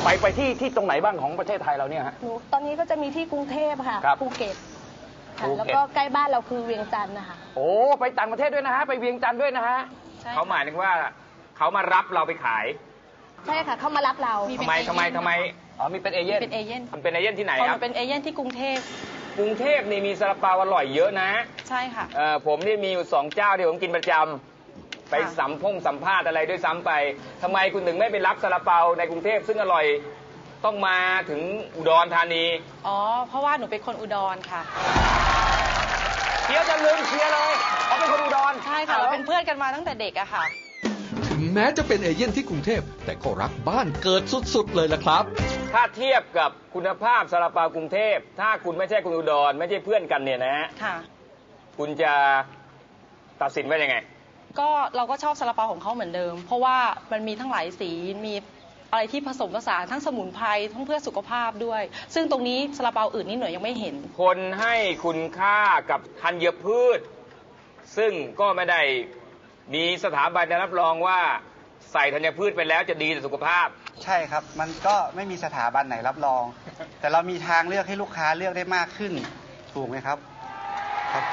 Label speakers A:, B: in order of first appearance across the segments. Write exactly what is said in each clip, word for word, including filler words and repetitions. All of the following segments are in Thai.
A: ไปไปที่ที่ตรงไหนบ้างของประเทศไทยเราเนี่ยฮะ
B: ตอนนี้ก็จะมีที่กรุงเทพค่ะภูเก็ตค่ะแล้วก็ใกล้บ้านเราคือเวียงจันทร์นะคะ
A: โอ้ไปต่างประเทศด้วยนะฮะไปเวียงจันทร์ด้วยนะฮะ
C: เขาหมายถึงว่าเขามารับเราไปขาย
B: ใช่ค่ะเขามารับเรา
C: ทำไมทำไมทำไม
A: อ๋อมีเป็นเอเย่น
B: เป็นเอเย่น
C: มันเป็นเอเย่นที่ไหนครับ
B: เป็นเอเย่นที่กรุงเทพ
C: กรุงเทพนี่มีซาลาเปาอร่อยเยอะนะ
B: ใช่ค่ะ
C: เออผมนี่มีอยู่สองเจ้าที่ผมกินประจำไปสัมพงสัมภาษณ์อะไรด้วยซ้ำไปทำไมคุณถึงไม่ไปรับซาลาเปาในกรุงเทพซึ่งอร่อยต้องมาถึงอุดรธานี
B: อ๋อเพราะว่าหนูเป็นคนอุดรค่ะ
A: เชียร์จะลืมเชียร์เลยเขาเป็นคนอุดร
B: ใช่ค่ะเราเป็นเพื่อนกันมาตั้งแต่เด็กอะค่ะ
D: ถึงแม้จะเป็นเอเย่นที่กรุงเทพแต่ก็รักบ้านเกิดสุดๆเลยล่ะครับ
C: ถ้าเทียบกับคุณภาพซาลาเปากรุงเทพถ้าคุณไม่ใช่คนอุดรไม่ใช่เพื่อนกันเนี่ยนะ
B: ค่ะ
C: คุณจะตัดสินว่ายังไง
B: ก็เราก็ชอบซาลาเปาของเขาเหมือนเดิมเพราะว่ามันมีทั้งหลายสีมีอะไรที่ผสมผสานทั้งสมุนไพรทั้งเพื่อสุขภาพด้วยซึ่งตรงนี้ซาลาเปาอื่นนี่หน่วยยังไม่เห็น
C: คนให้คุณค่ากับธัญพืชซึ่งก็ไม่ได้มีสถาบันรับรองว่าใส่ธัญพืชไปแล้วจะดีต่อสุขภาพ
E: ใช่ครับมันก็ไม่มีสถาบันไหนรับรองแต่เรามีทางเลือกให้ลูกค้าเลือกได้มากขึ้นถูกไหมครับครับ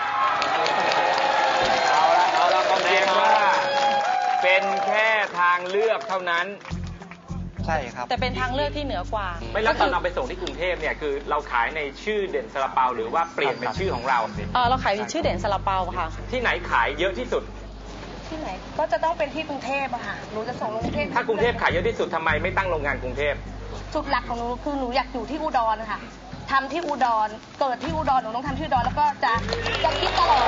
C: เอาละเอาละต้องแจ้งว่าเป็นแค่ทางเลือกเท่านั้น
E: ใช่ครับ
B: แต่เป็นทางเลือกที่เหนือกว่า
C: ไม่แล้วตอนเราไปส่งที่กรุงเทพเนี่ยคือเราขายในชื่อเด่นซาลาเปาหรือว่าเปลี่ยนเป็นชื่อของเรา
B: เออเราขายเป็นชื่อเด่นซาลาเปาค่ะ
C: ที่ไหนขายเยอะที่สุด
B: ที่ไหนก็จะต้องเป็นที่กรุงเทพอะค่ะหนูจะส่งกรุงเทพ
C: ถ้ากรุงเทพขายเยอะที่สุดทำไมไม่ตั้งโรงงานกรุงเทพ
B: จุดหลักของหนูคือหนูอยากอยู่ที่อุดรค่ะทำที่อุดรเกิดที่อุดรหนูต้องทำที่อุดรแล้วก็จะจะคิดตลอด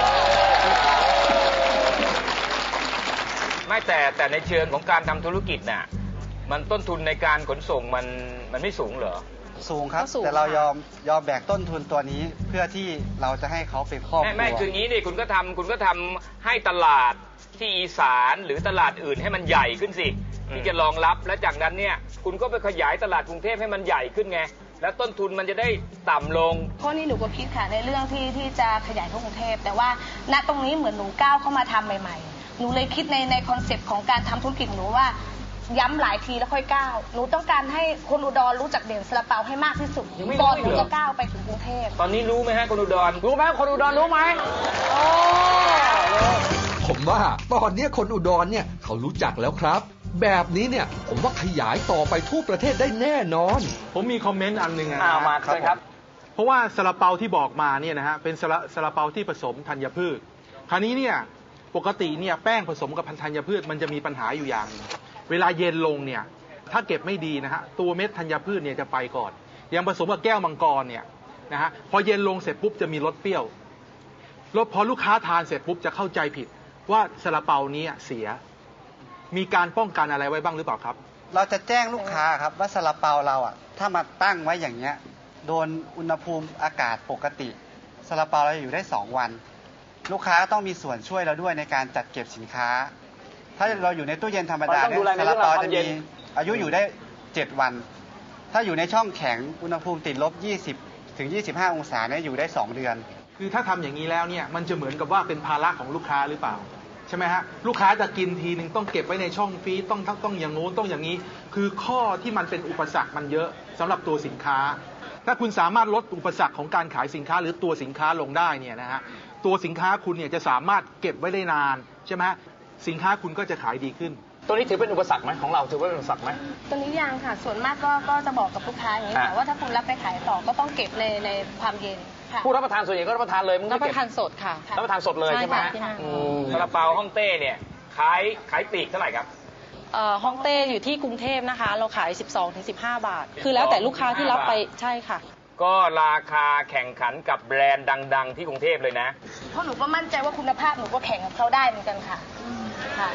C: ไม่แต่แต่ในเชิงของการทำธุรกิจน่ะมันต้นทุนในการขนส่งมันมันไม่สูงเหรอ
E: สูงครับแต่เรายอมยอมแบกต้นทุนตัวนี้เพื่อที่เราจะให้เขาเป็นครอบครัว
C: ไม่ไม่คืองี้นี่คุณก็ทำคุณก็ทำให้ตลาดที่อีสานหรือตลาดอื่นให้มันใหญ่ขึ้นสิที่จะรองรับและจากนั้นเนี่ยคุณก็ไปขยายตลาดกรุงเทพให้มันใหญ่ขึ้นไงแล้วต้นทุนมันจะได้ต่ำลง
B: เพราะนี่หนูก็คิดค่ะในเรื่องที่ที่จะขยายเข้ากรุงเทพแต่ว่าณตรงนี้เหมือนหนูก้าวเข้ามาทำใหม่ๆหนูเลยคิดในในคอนเซปต์ของการทำธุรกิจหนูว่าย้ำหลายทีแล้วค่อยก้าวหนูต้องการให้คนอุดรรู้จักเด่นซาลาเปาให้มากที่สุดก่อนหนูจะก้าวไปถึงกรุงเทพ
C: ตอนนี้รู้ไหมฮะคนอุดร
A: รู้ไหมคนอุดรรู้ไหมโอ้
D: ผมว่าตอนนี้คนอุดรเนี่ยเขารู้จักแล้วครับแบบนี้เนี่ยผมว่าขยายต่อไปทั่วประเทศได้แน่นอน
F: ผมมีคอมเมนต์อันหนึ่งนะ
A: มาครับ
F: เพราะว่าซาลาเปาที่บอกมาเนี่ยนะฮะเป็นซาลาเปาที่ผสมธัญพืชคราวนี้เนี่ยปกติเนี่ยแป้งผสมกับธัญพืชมันจะมีปัญหาอยู่อย่างนึงเวลาเย็นลงเนี่ยถ้าเก็บไม่ดีนะฮะตัวเม็ดธัญพืชเนี่ยจะไปก่อนอย่างผสมกับแก้วมังกรเนี่ยนะฮะพอเย็นลงเสร็จปุ๊บจะมีรสเปรี้ยวรสพอลูกค้าทานเสร็จปุ๊บจะเข้าใจผิดว่าซาลาเปานี้เสียมีการป้องกันอะไรไว้บ้างหรือเปล่าครับ
E: เราจะแจ้งลูกค้าครับว่าซาลาเปาเราอ่ะถ้ามาตั้งไว้อย่างเงี้ยโดนอุณหภูมิอากาศปกติซาลาเปาเราอยู่ได้สองวันลูกค้าต้องมีส่วนช่วยเราด้วยในการจัดเก็บสินค้าถ้าเราอยู่ในตู้เย็นธรรมดาเนี่ยซาลาเปาจะมีอายุอยู่ได้เจ็ดวันถ้าอยู่ในช่องแข็งอุณหภูมิติดลบยี่สิบถึงยี่สิบห้าองศาเนี่ยอยู่ได้สองเดือน
F: คือถ้าทำอย่างนี้แล้วเนี่ยมันจะเหมือนกับว่าเป็นภาระของลูกค้าหรือเปล่าใช่ไหมฮะลูกค้าจะกินทีนึงต้องเก็บไว้ในช่องฟรีซต้องต้องอย่างโน้นต้องอย่างนี้คือข้อที่มันเป็นอุปสรรคมันเยอะสำหรับตัวสินค้าถ้าคุณสามารถลดอุปสรรคของการขายสินค้าหรือตัวสินค้าลงได้เนี่ยนะฮะตัวสินค้าคุณเนี่ยจะสามารถเก็บไว้ได้นานใช่ไหมสินค้าคุณก็จะขายดีขึ้น
A: ตัวนี้ถือเป็นอุปสรรคไหมของเราถือว่าเป็นอุปสรรคไหม
B: ตัวนี้ยังค่ะส่วนมากก็ก็จะบอกกับลูกค้าอย่างนี้ค่ะว่าถ้าคุณรับไปขายต่อก็ต้องเก็บในในความเย็น
A: ผู้รับประทานส่วนใหญ่ก็รับประทานเลยมึง
B: รับประทานสดค่ะ
A: รับประทานสดเลยใช่ไหม
C: ซาลาเปาฮ่องเต้เนี่ยขายขายปลีกเท่าไหร่ครับ
B: ฮ่องเต้อยู่ที่กรุงเทพนะคะเราขาย สิบสองถึงสิบห้า บาทคือแล้วแต่ลูกค้าที่รับไปใช่ค่ะ
C: ก็ราคาแข่งขันกับแบรนด์ดังๆที่กรุงเทพเลยนะ
B: เพราะหนูก็มั่นใจว่าคุณภาพหนูก็แข่งกับเขาได้เหมือนกันค่ะค่ะ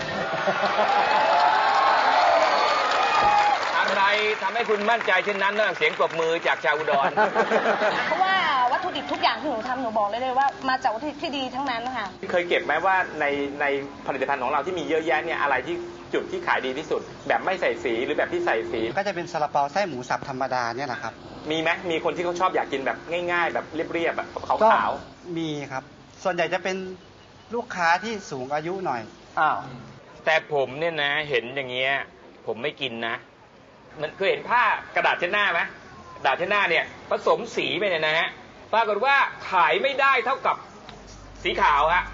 C: อะไรทำให้คุณมั่นใจเช่นนั้นนอกจากเสียงปรบมือจากชาวอุดร
B: เพราะว่าวัตถุดิบทุกอย่างที่หนูทำหนูบอกเลยเลยว่ามาจากวัตถุดิบที่ดีทั้งนั้นนะคะ
C: เคยเก็บไหมว่าในในผลิตภัณฑ์ของเราที่มีเยอะแยะเนี่ยอะไรที่จุดที่ขายดีที่สุดแบบไม่ใส่สีหรือแบบที่ใส่สี
E: ก็จะเป็นซาลาเปาไส้หมูสับธรรมดาเนี่ยแหละครับ
C: มีไหมมีคนที่เขาชอบอยากกินแบบง่ายๆแบบเรียบๆแบบขาว
E: ๆมีครับส่วนใหญ่จะเป็นลูกค้าที่สูงอายุหน่อย
C: อ้าวแต่ผมเนี่ยนะเห็นอย่างเงี้ยผมไม่กินนะมันเคยเห็นผ้ากระดาษเช็ดหน้าไหมกระดาษเช็ดหน้าเนี่ยผสมสีไปเนี่ยนะฮะปรากฏว่าขายไม่ได้เท่ากับสีขาวฮะ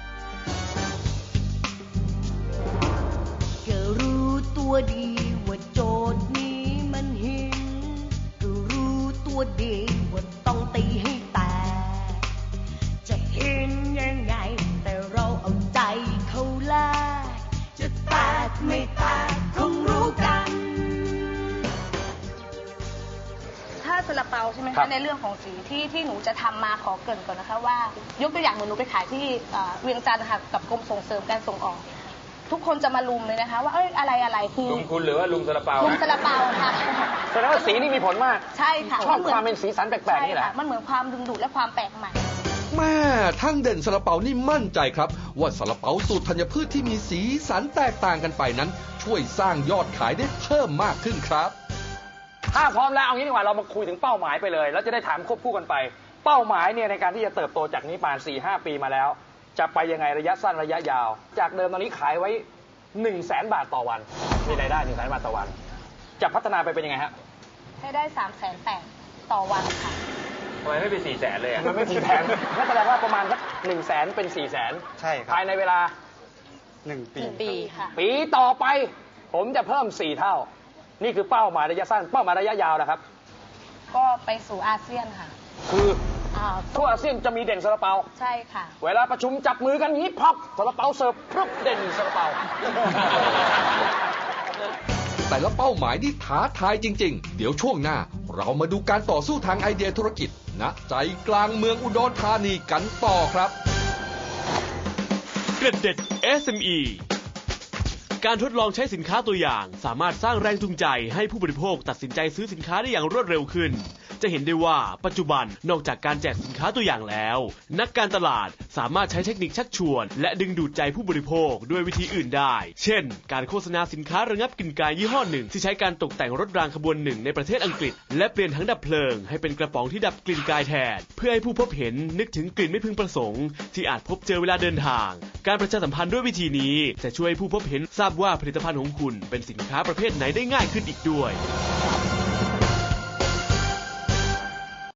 G: ก็รู้ตัวดีว่าโจทย์นี้มันหินก็รู้ตัวดีว่าต้องตีให้แตกจะเห็นยังไงแต่เราเอาใจเขาแลกจะแตกไม่แตกคงรู้กัน
B: ถ้าซาลาเปาใช่ไหม
A: ครั
B: คะ
A: บ
B: ในเรื่องของสีที่ที่หนูจะทำมาขอเกริ่นก่อนนะคะว่ายกตัวอย่างเหมือนหนูไปขายที่เอ่อเวียงจันทร์ค่ะกับกรมส่งเสริมการส่งออก ทุกคนจะมาลุมเลยนะคะ ว่าเอ้ยอะไรอะไรคือ
C: ลุงคุณหรือว่าลุงซาลาเปา
B: ลุม
C: ฮะ
B: ซาลาเปาค่ะ
A: แสดงว่าสีนี่มีผลมาก
B: ใช่ค่ะ
A: ชอบความเป็นสีสันแปลกๆนี่แหละ
B: ใช่ค่มันเหมือนความดึงดูดและความแปลกใหม่
D: แม่ทั้งเด่นซาลาเปานี่มั่นใจครับ ว่าซาลาเปาสูตรธัญพืชที่มีสีสันแตกต่างกันไปนั้น ช่วยสร้างยอดขายได้เพิ่มมากขึ้นครับ
A: ถ้าพร้อมแล้วเอางี้ดีกว่าเรามาคุยถึงเป้าหมายไปเลยแล้วจะได้ถามควบคู่กันไป เป้าหมายเนี่ยในการที่จะเติบโตจากนี้ผ่าน สี่ห้า ปีมาแล้ว จะไปยังไงระยะสั้นระยะยาว จากเดิมตอนนี้ขายไว้ หนึ่งแสน บาทต่อวันมีรายได้ หนึ่งแสน บาทต่อวัน จะพัฒนาไปเป็นยังไงฮะ
B: ให้ได้สามแสนแปดต่อวันค่ะ
C: ทำไมไม่เป็นสี่แสนเลยอะ
A: มันไม่สี่แสนนั่นแสดงว่าประมาณสักหนึ่งแสนเป็นสี่แสน
E: ใช่ครับ
A: ภายในเวลา
E: หนึ่งปี
B: หนึ่งปีค่ะ
A: ปีต่อไป ผมจะเพิ่มสี่เท่า นี่คือเป้าหมายระยะสั้นเป้าหมายระยะยาวนะครับ
B: ก็ไปสู่อาเซียนค่ะ
A: คือ
B: อ่า
A: ทั่วอาเซียนจะมีเด่นซาลาเปา
B: ใช่ค่ะ
A: เวลาประชุมจับมือกันนี้พับซาลาเปาเสิร์ฟพรึบเด่นซาลาเปา
D: แต่ละเป้าหมายนี่ท้าทายจริงๆ เดี๋ยวช่วงหน้า เรามาดูการต่อสู้ทางไอเดียธุรกิจณใจกลางเมืองอุดรธานีกันต่อครับ
H: เกร็ดเด็ด เอส เอ็ม อี การทดลองใช้สินค้าตัวอย่างสามารถสร้างแรงจูงใจให้ผู้บริโภคตัดสินใจซื้อสินค้าได้อย่างรวดเร็วขึ้น จะเห็นได้ว่าปัจจุบันนอกจากการแจกสินค้าตัวอย่างแล้ว นักการตลาดสามารถใช้เทคนิคชักชวนและดึงดูดใจผู้บริโภคด้วยวิธีอื่นได้ เช่น การโฆษณาสินค้าระงับกลิ่นกายยี่ห้อหนึ่งที่ใช้การตกแต่งรถรางขบวนหนึ่งในประเทศอังกฤษและเปลี่ยนถังดับเพลิงให้เป็นกระป๋องที่ดับกลิ่นกายแทนเพื่อให้ผู้พบเห็นนึกถึงกลิ่นไม่พึงประสงค์ที่อาจพบเจอเวลาเดินทางการประชาสัมพันธ์ด้วยวิธีนี้จะช่วยให้ผู้พบเห็นทราบว่าผลิตภัณฑ์ของคุณเป็นสินค้าประเภทไหนได้ง่ายขึ้นอีกด้วย